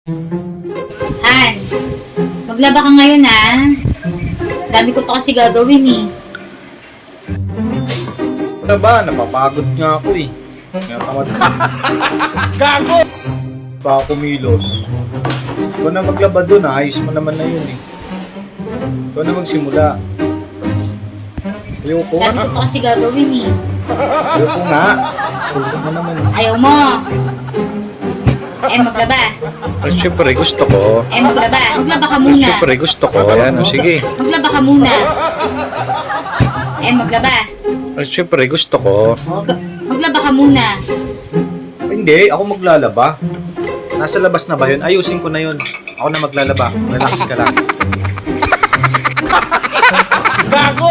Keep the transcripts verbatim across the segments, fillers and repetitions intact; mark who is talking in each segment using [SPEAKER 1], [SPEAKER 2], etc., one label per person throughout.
[SPEAKER 1] Han, maglaba ka ngayon ha. Dami ko pa kasi gagawin eh.
[SPEAKER 2] Ano ba? Napapagod nga ako eh. Kaya tamad
[SPEAKER 3] Gago!
[SPEAKER 2] pa ako kumilos. Ikaw na maglaba doon, ayos mo naman na yun eh. Ikaw na magsimula. Ayoko
[SPEAKER 1] Dami ko pa kasi gagawin eh.
[SPEAKER 2] Ayoko nga. Ayoko mo naman eh.
[SPEAKER 1] Ayaw mo. Eh maglaba.
[SPEAKER 3] Ay, syempre gusto ko.
[SPEAKER 1] Eh maglaba. Maglaba ka
[SPEAKER 3] Ay,
[SPEAKER 1] muna.
[SPEAKER 3] syempre gusto ko. Ayan, o sige.
[SPEAKER 1] Maglaba ka muna. Eh maglaba.
[SPEAKER 3] Ay, syempre gusto ko.
[SPEAKER 1] O, ga- maglaba ka muna.
[SPEAKER 2] Ay, hindi, ako maglalaba. Nasa labas na ba yun? Ayusin ko na yun. Ako na maglalaba. Relax ka lang.
[SPEAKER 3] Gago!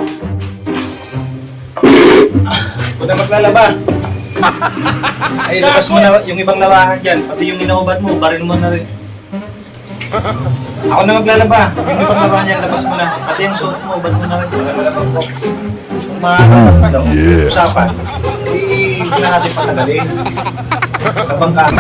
[SPEAKER 2] Ako na maglalaba. Ay, labas mo na yung ibang labahan dyan. Pati yung inaubad mo, baril mo na rin. Ako na maglalaba. Yung ibang labahan dyan, labas mo na. Pati yung suot mo, ubad mo na rin. Lalabang ko. Kung makakasama ano, usapan, eh, hindi na natin patagalin. Labang ka.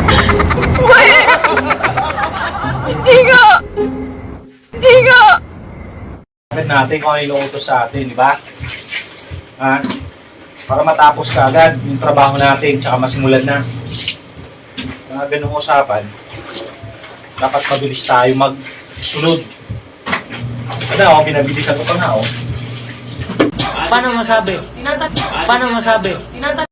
[SPEAKER 4] Hindi nga! Hindi nga!
[SPEAKER 2] Agad natin kung ano yung utos sa atin, di ba? Ha? Para matapos ka agad yung trabaho natin, tsaka masimulan na. Mga ganung usapan, dapat mabilis tayo magsunod. Ano, oh, pinabilisan ko pa na, oh.
[SPEAKER 5] Paano masabi? Paano masabi?